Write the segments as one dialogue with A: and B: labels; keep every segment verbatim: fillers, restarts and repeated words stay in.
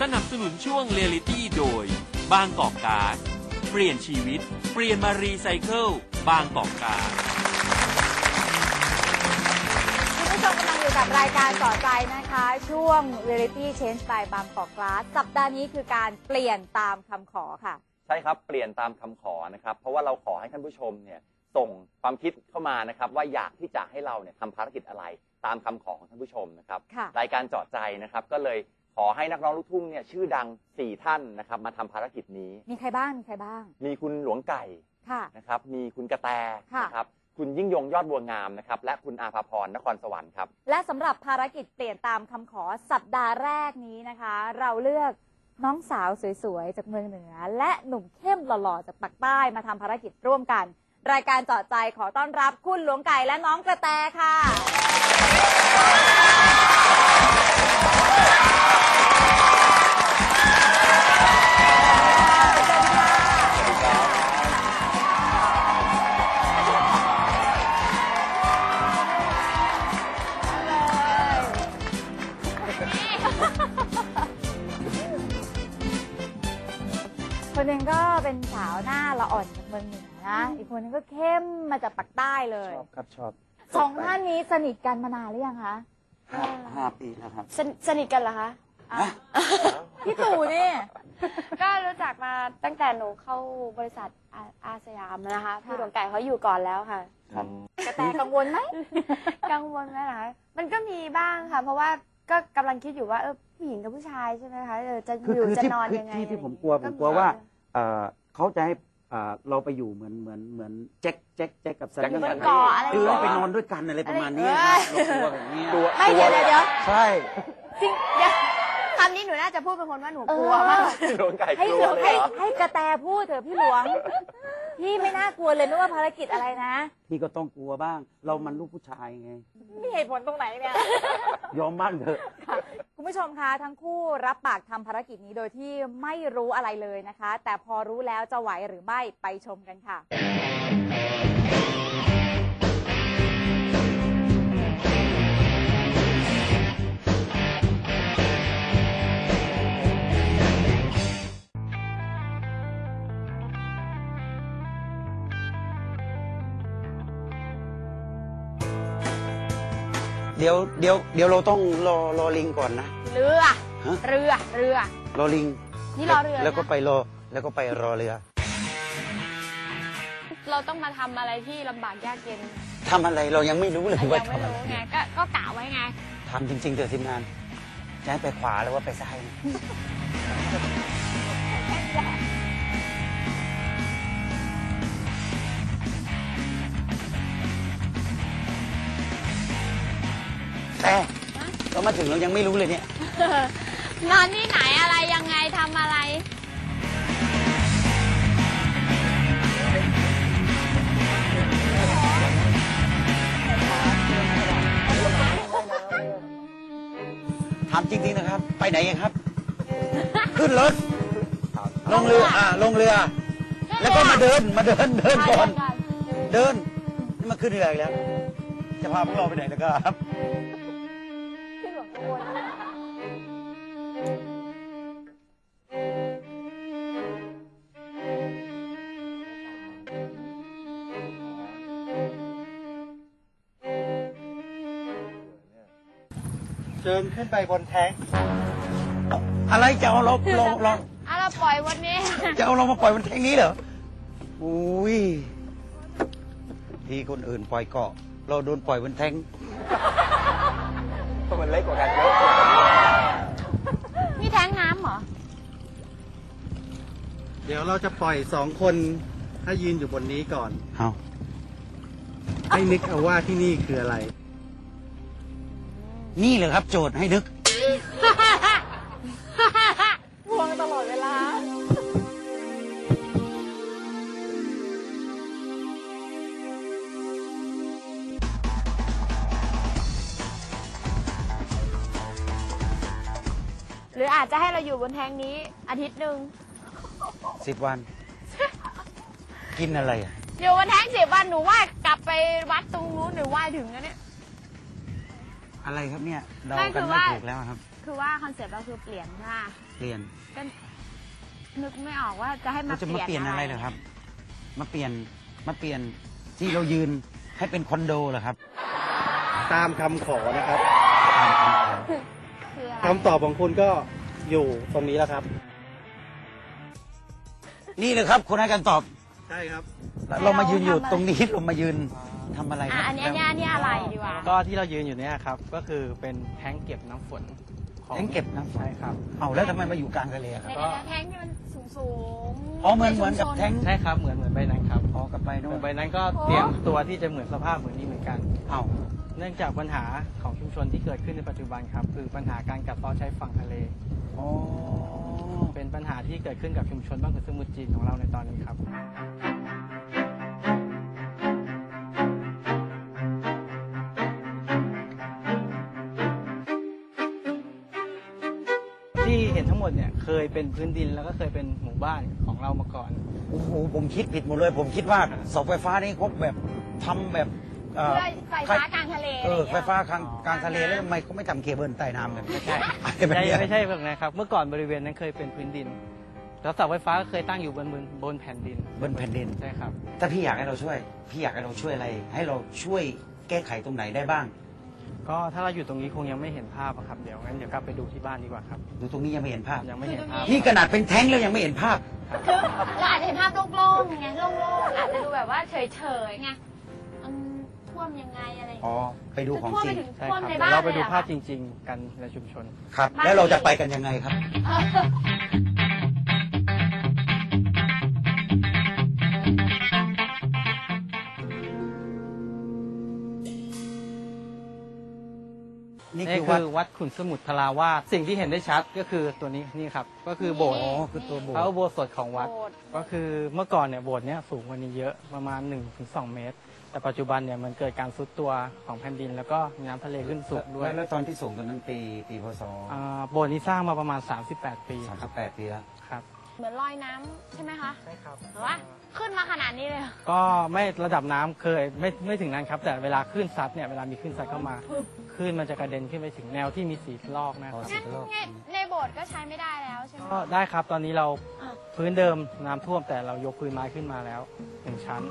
A: นับสนุนช่วงเรียลิตี้โดยบางกอกการ์ดเปลี่ยนชีวิตเปลี่ยนมารีไซเคิลบางกอกการ์ด
B: คุณผู้ชมกำลังอยู่กับรายการต่อใจนะคะช่วง Reality Change by บางกอกการ์ดสัปดาห์นี้คือการเปลี่ยนตามคำขอค่ะ
C: ใช่ครับเปลี่ยนตามคำขอนะครับเพราะว่าเราขอให้ท่านผู้ชมเนี่ยส่งความคิดเข้ามานะครับว่าอยากที่จะให้เราเนี่ยทำภารกิจอะไรตามคำขอของท่านผู้ชมนะครับรายการเจาะใจนะครับก็เลยขอให้นักร้องลูกทุ่งเนี่ยชื่อดังสี่ท่านนะครับมาทำภารกิจนี้
B: มีใครบ้างมีใครบ้าง
C: มีคุณหลวงไก่นะครับมีคุณกระแตนะครับคุณยิ่งยงยอดบัวงามนะครับและคุณอาภาพรนครสวรรค์ครับ
B: และสำหรับภารกิจเปลี่ยนตามคำขอสัปดาห์แรกนี้นะคะเราเลือกน้องสาวสวยๆจากเมืองเหนือและหนุ่มเข้มหล่อๆจากปากใต้มาทำภารกิจร่วมกันรายการเจาะใจขอต้อนรับคุณหลวงไก่และน้องกระแตค่ะคนหนึ่งก็เป็นสาวหน้าละอ่อนจากเมืองเหนือนะอีกคนนึงก็เข้มมาจากปากใต้เลย
D: ชอบครับชอบ
B: สองท่านนี้สนิทกันมานานหรือยังคะ
D: ห้าห้าปีแล้วครับ
E: สนิทกันเหรอคะ
B: พี่ตู่นี่
E: ก็รู้จักมาตั้งแต่หนูเข้าบริษัทอาสยามนะคะพี่หลวงไก่เขาอยู่ก่อนแล้วค่ะ
B: กระแตกังวลไหม
E: กังวลไหมล่ะมันก็มีบ้างค่ะเพราะว่าก็กำลังคิดอยู่ว่าเออผู้หญิงกับผู้ชายใช่ไหมคะจะอยู่จะนอนยังไง
D: ที่ผมกลัวผมกลัวว่าเขาจะให้เราไปอยู่เหมือนเหมือนเหมือนแจ็คแจ็คแจ็คกับซันนี่คือเราไปนอนด้วยกันอะไรประมาณนี้ตัวแบบนี้
B: ไม่เดี๋ยวเดี๋ยว
D: ใช่
E: จริงเดี๋ยวคำนี้หนูน่าจะพูดเป็นคนว่าหนูกลัวมาก
C: หลวงไก่
B: กลัวเลยให้ให้กระแตพูดเถอะพี่หลวงพี่ไม่น่ากลัวเลยไม่ว่าภารกิจอะไรนะ
D: พี่ก็ต้องกลัวบ้างเรามันลูกผู้ชายไง
B: มีเหตุผลตรงไหนเนี่ย
D: ยอมบ้างเถอะ
B: คุณผู้ชมคะทั้งคู่รับปากทำภารกิจนี้โดยที่ไม่รู้อะไรเลยนะคะแต่พอรู้แล้วจะไหวหรือไม่ไปชมกันค่ะ
D: เดี๋ยวเดี๋ยวเดี๋ยวเราต้องรอรอลิงก่อนนะ
E: เรือเรือเรือ
D: รอลิง
E: นี่รอเรือ
D: แล้วก็ไปรอแล้วก็ไปรอเรือ
E: เราต้องมาทำอะไรที่ลำบากยากเย็น
D: ทำอะไรเรายังไม่รู้เลยว่า
E: ทำอะไรไงก็ก็กะไว้ไง
D: ทำจริงๆเถอะทีมงานจะให้ไปขวาหรือว่าไปซ้ายแต่เรามาถึงเรายังไม่รู้เลยเนี่ย
E: นอนที่ไหนอะไรยังไงทำอะไร
D: ถามจริงๆนะครับไปไหนยังครับขึ้นรถลงเรืออ่าลงเรือแล้วก็มาเดินมาเดินเดินก่อนเดินนี่มาขึ้นเรืออีกแล้วจะพาพวกเราไปไหนนะครับ
F: เดินขึ้นไปบนแท้ง
D: อะไรจะเอาเราลงลง
E: อ่ะเราปล่อยวันนี้
D: จะเอาเรามาปล่อยบนแท้งนี้เหรออุ้ยที่คนอื่นปล่อยเกาะเราโดนปล่อยบนแท้ง
C: เพราะมันเล็กกว่ากันเยอะ
E: นี่แท้งน้ำเหรอ
F: เดี๋ยวเราจะปล่อยสองคนให้ยืนอยู่บนนี้ก่อน
D: เอา
F: ให้นึกเอาว่าที่นี่คืออะไร
D: นี่เลยครับโจทย์ให้นึก
B: ห่วงตลอดเวลา
E: หรืออาจจะให้เราอยู่บนแท้งนี้อาทิตย์หนึ่ง
D: สิบวันกินอะไรอ่ะ
E: อยู่บนแท้งสิบวันหนูว่ากลับไปวัดตรงนู้นหนูว่ายถึงแล้วเนี่ย
D: อะไรครับเนี่ยเดากันไม่ถูกแล้วครับ
E: คือว่าคอนเซ็ปต์เราคือเปลี่ยนค่ะ
D: เปลี่ยน
E: ก็นึกไม่ออกว่าจะให้มา
D: เราจะมาเป
E: เป
D: ลี่
E: ลี่
D: ย
E: ย
D: น
E: น
D: อะไรเหรอครับ มาเปลี่ยนมาเปลี่ยนที่เรายืนให้เป็นคอนโดเหรอครับ
F: ตามคำขอนะครับ
E: คืออะไร
F: คำตอบของคุณก็อยู่ตรงนี้แล้วครับ
D: นี่เลยครับคุณให้การตอบ
F: ใช่ครับ
D: เรามายืนอยู่ตรงนี้เรามายืนทำอะไรค
E: อ่ะ
D: รับ
E: อันเนี้ยเนี่ยเนี่ยอะไรดีวะ
G: ก็ที่เรายืนอยู่เนี่ยครับก็คือเป็นแท้งเก็บน้ำฝนของ
D: แท้งเก็บน้ำฝน
G: ใช่ครับ
D: เอาแล้วทำไมมาอยู่กลางทะเลครับ
E: ในกระแทงที่มันสูงสูงๆ
D: อ๋อเหมือนเหมือนกับแท้ง
G: ใช่ครับเหมือนเหมือนใบนั้นครับ
D: อ๋อกับใบนู้น
G: ใบนั้นก็เตรียมตัวที่จะเหมือนสภาพเหมือนนี้เหมือนกัน
D: เอา
G: เนื่องจากปัญหาของชุมชนที่เกิดขึ้นในปัจจุบันครับคือปัญหาการกัดเซาะชายฝั่งทะเล
D: อ๋อ
G: เป็นปัญหาที่เกิดขึ้นกับชุมชนบ้านขุนสมุทรจีนของเราในตอนนี้ครับที่เห็นทั้งหมดเนี่ยเคยเป็นพื้นดินแล้วก็เคยเป็นหมู่บ้านของเรามาก่อน
D: โอ้โหผมคิดผิดหมดเลย ผมคิดว่าเสาไฟฟ้านี่เขาแบบทำแบบเอ่อ
E: เพื่อไฟฟ้ากลางทะเล
D: เออ
E: อะไรอย่าง
D: ไฟ
E: เงี้ย
D: ฟ้ากลางกลางทะเลแล้วทำไมเขาไม่ทำเคเบิลใต้น้ำกันไม่ใช่
G: ไม่ใช่ไม่ใช่แบบนั้นครับ เมื่อก่อนบริเวณนั้นเคยเป็นพื้นดิน แล้วเสาไฟฟ้าก็เคยตั้งอยู่บนบนบนแผ่นดิน
D: บนแผ่นดิน
G: ใช่ครับ
D: ถ้าพี่อยากให้เราช่วย พี่อยากให้เราช่วยอะไร ให้เราช่วยแก้ไขตรงไหนได้บ้าง
G: ก็ถ้าเราอยู่ตรงนี้คงยังไม่เห็นภาพอะครับ เดี๋ยวงั้นเดี๋ยวกลับไปดูที่บ้านดีกว่าครับ
D: ดูตรงนี้ยังไม่เห็นภาพ
G: ยังไม่เห็นภาพ
D: นี่ขนาดเป็นแท้งแล้วยังไม่เห็นภาพ
E: คือเราอาจจะเห็นภาพโล่งๆไงโล่งๆอาจจะดูแบบว่าเฉยๆไงอืมท่วมยังไงอะไรอย่าง
D: อ๋อ
E: เงี้ย
D: ไปดูของ
E: ท่วม
D: จ
E: ไป
D: ริง
E: ถึง
G: ใช่
E: ท่วม
G: ครับ
E: ใน
G: เดี๋ยว
E: บ้าน
G: เราไป
E: เลย
G: ดู
E: เหรอ
G: ภาพ
E: คะ
G: จริง ๆ กันในชุมชน
D: ครับ แล้วเราจะไปกันยังไงครับ นี่
G: นี่
D: คือ
G: คื
D: วัด
G: อวัดขุนสมุทรทราวาสสิ่งที่เห็นได้ชัดก็คือตัวนี้นี่ครับ ก็คือโบสถ์
D: อ๋อ คือตัวโบส
G: พระ
D: ถ์
G: อุโบสถของวัด
E: โบสถ์
G: ก็คือเมื่อก่อนเนี่ยโบสถ์เนี้ยสูงกว่านี้เยอะประมาณ หนึ่งถึงสอง เมตร แต่ปัจจุบันเนี่ยมันเกิดการทรุดตัวของแผ่นดิน แล้วก็มีน้ำทะเลขึ้นสูงด้วย
D: แล้วแล้วตอนที่ส่งตอนนั้นปีปีพศ
G: อ่าโบสถ์นี้สร้างมาประมาณ สามสิบแปด ปี
D: สาม
G: ค
D: สิ
G: รับบ
D: แปดปีแล้ว
G: ครับ
E: เหมือนลอยน้ำใช่ไหมคะ
G: ใช่ครับ
E: หรือว่าขึ้นมาขนาดนี้เลยเหรอ
G: ก็ไม่ระดับน้ำเคยไม่ไม่ถึงนั้นครับ แต่เวลาคลื่นซัดเนี่ยเวลามีคลื่นซัดเข้ามาคลื่นมันจะกระเด็นขึ้นไปถึงแนวที่มีสีลอกนะครับ
E: งั้นไงในโบสถ์ก็ใช้ไม่ได้แล้วใช่ไหม
G: ก็ได้ครับตอนนี้เราพื้นเดิมน้ำท่วมแต่เรายกพื้นไม้ขึ้นมาแล้วหนึ่งชั้น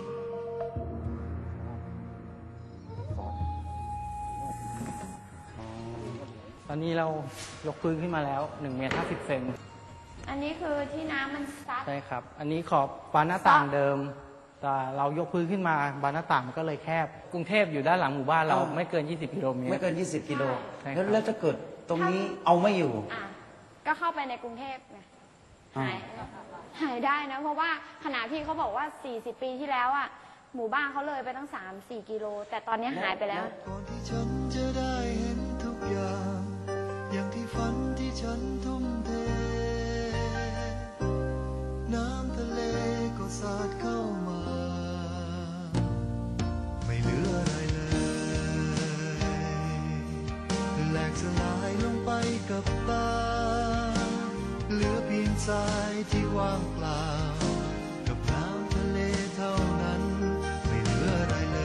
G: ตอนนี้เรายกพื้นขึ้นมาแล้วหนึ่งเมตรห้าสิบเซน
E: อันนี้คือที่น้ำมันซัด
G: ใช่ครับ อันนี้ขอบบานหน้าต่างเดิม แต่เรายกพื้นขึ้นมาบานหน้าต่างมันก็เลยแคบ กรุงเทพอยู่ด้านหลังหมู่บ้านเรา
D: อ่า
G: ไม่เกิน ยี่สิบ กิโลเมตร
D: ไม่เกิน ยี่สิบ กิโล
G: ใช่ครับ
D: แล้วแล้วถ้าเกิดตรงนี้เอาไม่อยู่
E: อ่ะก็เข้าไปในกรุงเทพไง
D: อ่า
E: หายหายได้นะ เพราะว่าขณะที่เขาบอกว่า สี่สิบ ปีที่แล้วอ่ะหมู่บ้านเขาเลยไปตั้ง สามสี่ กิโล แต่ตอนนี้หายไปแล้ว
H: ก่อนที่ฉันจะได้เห็นทุกอย่าง อย่างที่ฝันที่ฉันทุ่มเท น้ำทะเลก็สาดเข้ามา ไม่เหลืออะไรเลยแหลกสลายลงไปกับตา เหลือเพียงทรายที่ว่างเปล่า กับน้ำทะเลเท่านั้น ไม่เหลืออะไรเลย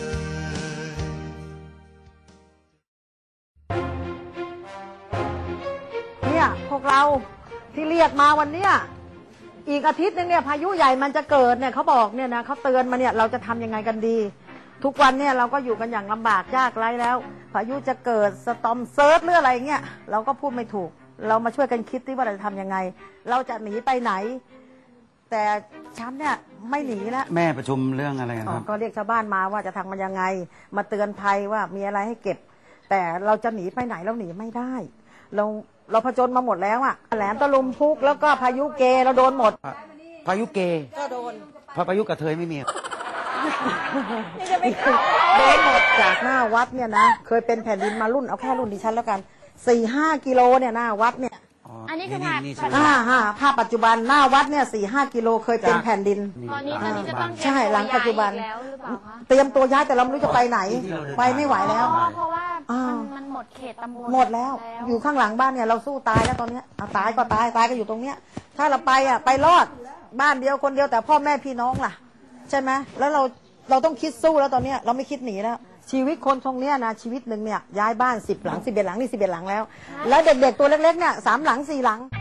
I: เนี่ยพวกเราที่เรียกมาวันเนี้ยอีกอาทิตย์นึงเนี่ยพายุใหญ่มันจะเกิดเนี่ยเขาบอกเนี่ยนะเขาเตือนมาเนี่ยเราจะทำยังไงกันดี ทุกวันเนี่ยเราก็อยู่กันอย่างลำบากยากไร้แล้วพายุจะเกิดสตอมเซิร์ชหรืออะไรเงี้ยเราก็พูดไม่ถูก เรามาช่วยกันคิดที่ว่าเราจะทำยังไง เราจะหนีไปไหน แต่ฉันเนี่ยไม่หนีแล้ว
D: แม่ประชุมเรื่องอะไรกันครับ
I: ก็เรียกชาวบ้านมาว่าจะทำมันยังไง มาเตือนภัยว่ามีอะไรให้เก็บ แต่เราจะหนีไปไหนเราหนีไม่ได้ เราเราผจญมาหมดแล้วอะแหลมตะลุมพุกแล้วก็พายุเกเราโดนหมด
D: พายุเก
I: ก็โดน
D: พาพายุกระเทยไม่มี
I: โดนหมดจากหน้าวัดเนี่ยนะเคยเป็นแผ่นดินมารุ่นเอาแค่รุ่นดิฉันแล้วกันสี่ห้ากิโลเนี่ยหน้าวัดเนี่ย
E: อันนี้คือ
D: นี่
E: ภาพ
D: นี่ใช่ไหม
I: อ่าฮะภาพปัจจุบันหน้าวัดเนี่ยสี่ห้ากิโลเคยเป็นแผ่นดิน
E: ตอนนี้ตอนนี้จะต้อง
I: ใช่หลังปัจจุบัน
E: เตรียมตัวย้ายอีกแล้วหรือเปล่าคะ
I: เตรียมตัวย้ายแต่เราไม่รู้จะไปไหน ไปไม่ไหวแล้ว
E: อ๋อเพราะว่า
I: อ่ามั
E: มันมันหมดเขตตำบล
I: หมดแล้ว อยู่ข้างหลังบ้านเนี่ยเราสู้ตายแล้วตอนเนี้ยเอาตายก็ตายตายก็อยู่ตรงเนี้ย ถ้าเราไปอ่ะไปรอดบ้านเดียวคนเดียวแต่พ่อแม่พี่น้องล่ะ ใช่ไหมแล้วเราเราต้องคิดสู้แล้วตอนเนี้ยเราไม่คิดหนีแล้วชีวิตคนทรงเนี้ยนะชีวิตหนึ่งเนี่ยย้ายบ้านสิบหลังสิบเอ็ดหลังนี่สิบเอ็ดหลังแล้ว แล้วเด็กๆตัวเล็กๆเนี่ยสามหลังสี่หลัง